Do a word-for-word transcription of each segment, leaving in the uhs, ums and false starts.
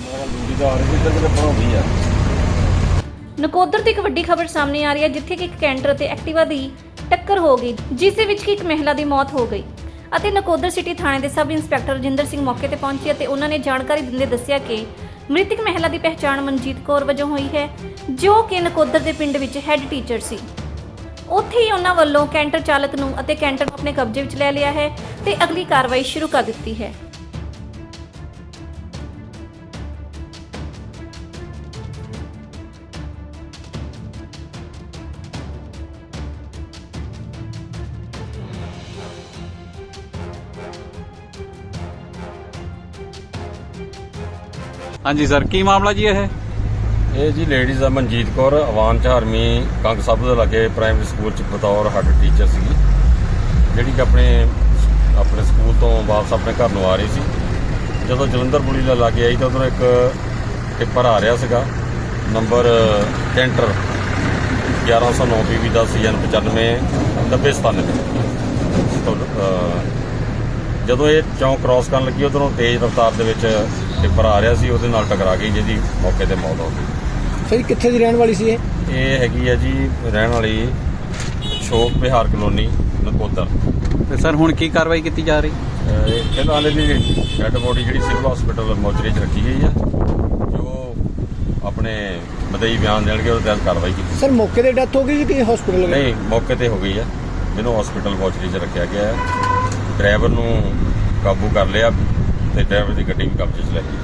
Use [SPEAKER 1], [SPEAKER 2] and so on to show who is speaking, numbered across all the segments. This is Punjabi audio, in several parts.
[SPEAKER 1] ਨਕੋਦਰ ਤੋਂ ਇੱਕ ਵੱਡੀ ਖਬਰ ਸਾਹਮਣੇ ਆ ਰਹੀ ਹੈ, ਜਿੱਥੇ ਕਿ ਇੱਕ ਕੈਂਟਰ ਅਤੇ ਐਕਟਿਵਾ ਦੀ ਟੱਕਰ ਹੋ ਗਈ, ਜਿਸ ਦੇ ਵਿੱਚ ਕਿ ਇੱਕ ਮਹਿਲਾ ਦੀ ਮੌਤ ਹੋ ਗਈ ਅਤੇ ਨਕੋਦਰ ਸਿਟੀ ਥਾਣੇ ਦੇ ਸਬ ਇੰਸਪੈਕਟਰ ਰਜਿੰਦਰ ਸਿੰਘ ਮੌਕੇ ਤੇ ਪਹੁੰਚੇ ਅਤੇ ਉਹਨਾਂ ਨੇ ਜਾਣਕਾਰੀ ਦਿੰਦੇ ਦੱਸਿਆ ਕਿ ਮ੍ਰਿਤਕ ਮਹਿਲਾ ਦੀ ਪਹਿਚਾਣ ਮਨਜੀਤ ਕੌਰ ਵਜੋਂ ਹੋਈ ਹੈ, ਜੋ ਕਿ ਨਕੋਦਰ ਦੇ ਪਿੰਡ ਵਿੱਚ ਹੈੱਡ ਟੀਚਰ ਸੀ। ਉੱਥੇ ਹੀ ਉਹਨਾਂ ਵੱਲੋਂ ਕੈਂਟਰ ਚਾਲਕ ਨੂੰ ਅਤੇ ਕੈਂਟਰ ਨੂੰ ਆਪਣੇ ਕਬਜ਼ੇ ਵਿੱਚ ਲੈ ਲਿਆ ਹੈ ਤੇ ਅਗਲੀ ਕਾਰਵਾਈ ਸ਼ੁਰੂ ਕਰ ਦਿੱਤੀ ਹੈ।
[SPEAKER 2] हाँ जी सर, की मामला जी है?
[SPEAKER 3] ਇਹ ਜੀ ਲੇਡੀਜ਼ ਆ ਮਨਜੀਤ ਕੌਰ ਅਵਾਨ ਚਾਰਵੀਂ ਕੰਗ ਸਾਹਿਬ ਦੇ ਲਾਗੇ ਪ੍ਰਾਇਮਰੀ ਸਕੂਲ ਚ ਬਤੌਰ ਹੈੱਡ ਟੀਚਰ ਸੀਗੀ, ਜਿਹੜੀ ਕਿ ਆਪਣੇ ਆਪਣੇ ਸਕੂਲ ਤੋਂ ਵਾਪਸ ਆਪਣੇ ਘਰ ਨੂੰ ਆ ਰਹੀ ਸੀ। ਜਦੋਂ ਜਲੰਧਰ ਪੁਲੀ ਦੇ ਲਾਗੇ ਆਈ ਤਾਂ ਉਧਰੋਂ ਇੱਕ ਟਿੱਪਰ ਆ ਰਿਹਾ ਸੀਗਾ, ਨੰਬਰ ਕੈਂਟਰ ਗਿਆਰਾਂ ਸੌ ਨੌ ਪੀ ਵੀ ਦਾ ਸੀ ਐਨ ਪਚਾਨਵੇਂ ਨੱਬੇ ਸਤਾਨਵੇਂ। ਜਦੋਂ ਇਹ ਚੌਂਕ ਕ੍ਰਾਸ ਕਰਨ ਲੱਗੀ, ਉਧਰੋਂ ਤੇਜ਼ ਰਫ਼ਤਾਰ ਦੇ ਵਿੱਚ ਟਿੱਪਰ ਆ ਰਿਹਾ ਸੀ, ਉਹਦੇ ਨਾਲ ਟਕਰਾ ਗਈ, ਜਿਹਦੀ ਮੌਕੇ ਤੇ ਮੌਤ ਹੋ ਗਈ।
[SPEAKER 4] ਸਹੀ ਕਿੱਥੇ ਦੀ ਰਹਿਣ ਵਾਲੀ ਸੀ ਇਹ?
[SPEAKER 3] ਇਹ ਹੈਗੀ ਆ ਜੀ ਰਹਿਣ ਵਾਲੀ ਸ਼ੋਕ ਵਿਹਾਰ ਕਲੋਨੀ ਨਕੋਦਰ।
[SPEAKER 2] ਤੇ ਸਰ ਹੁਣ ਕੀ ਕਾਰਵਾਈ ਕੀਤੀ ਜਾ ਰਹੀ?
[SPEAKER 3] ਅਹ ਫਿਲਹਾਲ ਇਹਦੀ ਡੈਡ ਬੋਡੀ ਜਿਹੜੀ ਸਿਵਲ ਹਸਪੀਟਲ ਮੋਚਰੀ 'ਚ ਰੱਖੀ ਗਈ ਆ, ਜੋ ਆਪਣੇ ਮਦਈ ਬਿਆਨ ਦੇਣਗੇ ਉਹਦੇ ਤਹਿਤ ਕਾਰਵਾਈ ਕੀਤੀ।
[SPEAKER 4] ਸਰ ਮੌਕੇ ਤੇ ਡੈਥ ਹੋ ਗਈ ਕਿ ਹਸਪੀਟਲ?
[SPEAKER 3] ਨਹੀਂ, ਮੌਕੇ ਤੇ ਹੋ ਗਈ ਆ, ਜਿਹਨੂੰ ਹਸਪੀਟਲ ਮੋਚਰੀ 'ਚ ਰੱਖਿਆ ਗਿਆ ਹੈ। ਡਰਾਈਵਰ ਨੂੰ ਕਾਬੂ ਕਰ ਲਿਆ ਤੇ ਡਰਾਈਵਰ ਦੀ ਗੱਡੀ ਵੀ ਕਬਜ਼ੇ 'ਚ ਲੈ ਲਈ।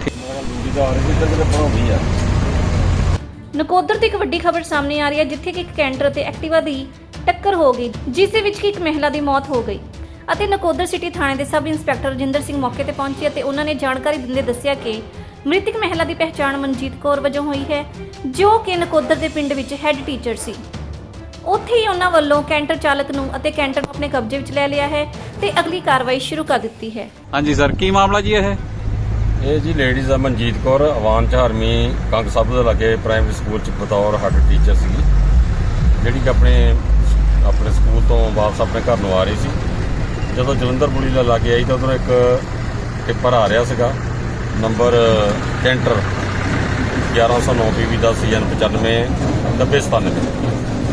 [SPEAKER 1] ਨਕੋਦਰ ਤੋਂ ਇੱਕ ਵੱਡੀ ਖਬਰ ਸਾਹਮਣੇ ਆ ਰਹੀ ਹੈ, ਜਿੱਥੇ ਕਿ ਇੱਕ ਕੈਂਟਰ ਅਤੇ ਐਕਟਿਵਾ ਦੀ ਟੱਕਰ ਹੋ ਗਈ, ਜਿਸ ਦੇ ਵਿੱਚ ਕਿ ਇੱਕ ਮਹਿਲਾ ਦੀ ਮੌਤ ਹੋ ਗਈ ਅਤੇ ਨਕੋਦਰ ਸਿਟੀ ਥਾਣੇ ਦੇ ਸਬ ਇੰਸਪੈਕਟਰ ਰਜਿੰਦਰ ਸਿੰਘ ਮੌਕੇ ਤੇ ਪਹੁੰਚੇ ਅਤੇ ਉਹਨਾਂ ਨੇ ਜਾਣਕਾਰੀ ਦਿੰਦੇ ਦੱਸਿਆ ਕਿ ਮ੍ਰਿਤਕ ਮਹਿਲਾ ਦੀ ਪਹਿਚਾਣ ਮਨਜੀਤ ਕੌਰ ਵਜੋਂ ਹੋਈ ਹੈ, ਜੋ ਕਿ ਨਕੋਦਰ ਦੇ ਪਿੰਡ ਵਿੱਚ ਹੈੱਡ ਟੀਚਰ ਸੀ। ਉੱਥੇ ਹੀ ਉਹਨਾਂ ਵੱਲੋਂ ਕੈਂਟਰ ਚਾਲਕ ਨੂੰ ਅਤੇ ਕੈਂਟਰ ਨੂੰ ਆਪਣੇ ਕਬਜ਼ੇ ਵਿੱਚ ਲੈ ਲਿਆ ਹੈ ਤੇ ਅਗਲੀ ਕਾਰਵਾਈ ਸ਼ੁਰੂ ਕਰ ਦਿੱਤੀ ਹੈ।
[SPEAKER 2] हाँ जी सर, की मामला जी है?
[SPEAKER 3] ਇਹ ਜੀ ਲੇਡੀਜ਼ ਆ ਮਨਜੀਤ ਕੌਰ ਅਵਾਨ ਚਾਰਵੀਂ ਕੰਗ ਸਾਹਿਬ ਦੇ ਲਾਗੇ ਪ੍ਰਾਇਮਰੀ ਸਕੂਲ ਚ ਬਤੌਰ ਹੈੱਡ ਟੀਚਰ ਸੀਗੀ, ਜਿਹੜੀ ਕਿ ਆਪਣੇ ਆਪਣੇ ਸਕੂਲ ਤੋਂ ਵਾਪਸ ਆਪਣੇ ਘਰ ਨੂੰ ਆ ਰਹੀ ਸੀ। ਜਦੋਂ ਜਲੰਧਰ ਪੁਲੀ ਦੇ ਲਾਗੇ ਆਈ ਤਾਂ ਉਧਰੋਂ ਇੱਕ ਟਿੱਪਰ ਆ ਰਿਹਾ ਸੀਗਾ, ਨੰਬਰ ਕੈਂਟਰ ਗਿਆਰਾਂ ਸੌ ਨੌ ਪੀ ਵੀ ਦਾ ਸੀ ਐਨ ਪਚਾਨਵੇਂ ਨੱਬੇ ਸਤਾਨਵੇਂ।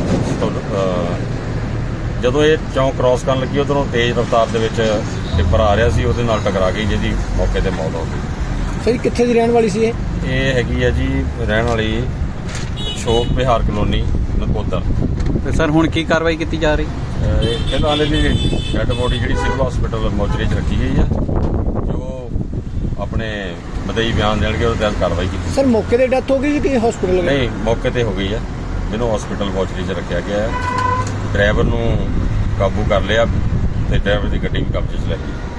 [SPEAKER 3] ਜਦੋਂ ਇਹ ਚੌਂਕ ਕ੍ਰਾਸ ਕਰਨ ਲੱਗੀ, ਉਧਰੋਂ ਤੇਜ਼ ਰਫ਼ਤਾਰ ਦੇ ਵਿੱਚ ਟਿੱਪਰ ਆ ਰਿਹਾ ਸੀ, ਉਹਦੇ ਨਾਲ ਟਕਰਾ ਗਈ, ਜਿਹਦੀ ਮੌਕੇ ਤੇ ਮੌਤ ਹੋ ਗਈ।
[SPEAKER 4] ਸਹੀ ਕਿੱਥੇ ਦੀ ਰਹਿਣ ਵਾਲੀ ਸੀ ਇਹ?
[SPEAKER 3] ਇਹ ਹੈਗੀ ਆ ਜੀ ਰਹਿਣ ਵਾਲੀ ਸ਼ੋਕ ਵਿਹਾਰ ਕਲੋਨੀ ਨਕੋਦਰ।
[SPEAKER 2] ਤੇ ਸਰ ਹੁਣ ਕੀ ਕਾਰਵਾਈ ਕੀਤੀ ਜਾ ਰਹੀ?
[SPEAKER 3] ਅਹ ਫਿਲਹਾਲ ਇਹਦੀ ਡੈਡ ਬੋਡੀ ਜਿਹੜੀ ਸਿਵਲ ਹਸਪੀਟਲ ਮੋਚਰੀ 'ਚ ਰੱਖੀ ਗਈ ਆ, ਜੋ ਆਪਣੇ ਮਦਈ ਬਿਆਨ ਦੇਣਗੇ ਉਹਦੇ ਤਹਿਤ ਕਾਰਵਾਈ ਕੀਤੀ।
[SPEAKER 4] ਸਰ ਮੌਕੇ ਤੇ ਡੈਥ ਹੋ ਗਈ ਕਿ ਹਸਪੀਟਲ?
[SPEAKER 3] ਨਹੀਂ, ਮੌਕੇ ਤੇ ਹੋ ਗਈ ਆ, ਜਿਹਨੂੰ ਹਸਪੀਟਲ ਮੋਚਰੀ 'ਚ ਰੱਖਿਆ ਗਿਆ ਹੈ। ਡਰਾਈਵਰ ਨੂੰ ਕਾਬੂ ਕਰ ਲਿਆ ਤੇ ਡਰਾਈਵਰ ਦੀ ਗੱਡੀ ਵੀ ਕਬਜ਼ੇ 'ਚ ਲੈ ਲਈ।